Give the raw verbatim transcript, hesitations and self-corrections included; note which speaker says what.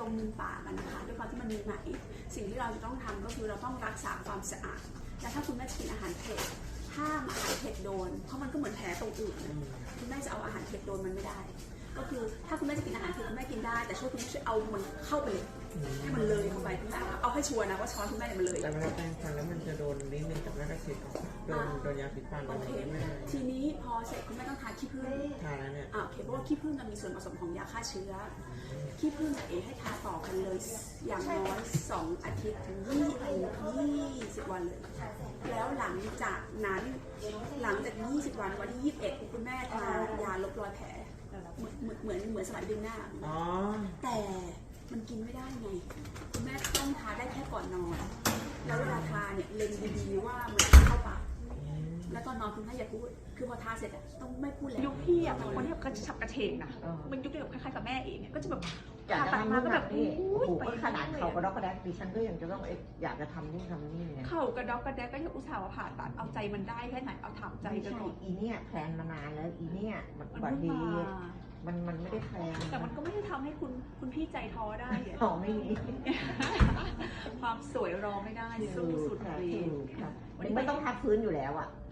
Speaker 1: มมุมปากกันนะคะด้วยความที่มันมีไหมสิ่งที่เราจะต้องทำก็คือเราต้องรักษาความสะอาดและถ้าคุณแม่กินอาหารเผ็ดห้ามอาหารเผ็ดโดนเพราะมันก็เหมือนแผลตรงอื่นคุณแม่จะเอาอาหารเผ็ดโดนมันไม่ได้ก็คือถ้าคุณแม่จะกินอาหารเผ็ดคุณแม่กินได้แต่ช่วยคุณแม่ช่วยเอามันเข้าไปเลยให้มันเลยเข้าไปคุณแม่เอาให้ชัวร์นะว่าช้อนคุณแม่เนี่ยมันเลย
Speaker 2: แต่เวลาแปรงฟันแล้วมันจะโดนนิดนึงกับแม่กระชิดออกโดนโดนยาสีฟัน
Speaker 1: โอเคทีนี้พอเสร็จคุณแม่ต้องทาขี้ผึ้ง
Speaker 2: ทาแล้วเนี่ย
Speaker 1: อ่าโอเคเพราะว่าขี้ผึ้งมันมีส่วนผสมของยาฆ่าเชื้อขี้ผึ้งเอให้ทาต่อกันเลยอย่างน้อยสองอาทิตย์ถึงยี่สิบวันเลยแล้วหลังจากนั้นหลังจากยี่สิบวันวันที่ยี่สิบเอ็ดคุณแม่ทายาลบรอยแผลเหมือนเหมือนเหมือนสลายดึงหน้าแต่มันกินไม่ได้ไงคุณแม่ต้องทาได้แค่ก่อนนอนแล้วเวลาทาเนี่ยเล็งดีๆว่ามันเข้าปากแล้วตอนนอนคุณแม่อย่าพูดคือพอทาเสร็จต้องไม่พูดแล้ว
Speaker 3: ยุคพี่อ่ะเป็นคนที่แบบกระฉับกระเฉงนะมันยุคเดียวกับคล้ายๆกับแม่เองก็จะแบบ
Speaker 4: อยากจะทำนู่นทำนี่โอ้โหขนาดเขากระดอกกระแดกดิฉันก็ยังจะต้องอยากจะทำนู่นทำนี่เนี่ย
Speaker 3: เข่ากระดอกกระแดกก็ยังอุตส่าห์ผ่าตัดเอาใจมันได้แค่ไหนเอาถามใจกันหน่อย
Speaker 4: อีเนี่ยแพลนมานานแล้วอีเนี่ยมันบัดดีมันมันไม่ได้แพลน
Speaker 3: แต่มันก็ไม่ได้ทำให้คุณคุณพี่ใจท้อได้
Speaker 4: ท้อไม่มี
Speaker 3: ความสวยรอไม่ได้สู้สุดเลย
Speaker 4: ไม่ต้องทับพื้นอยู่แล้วอ่ะ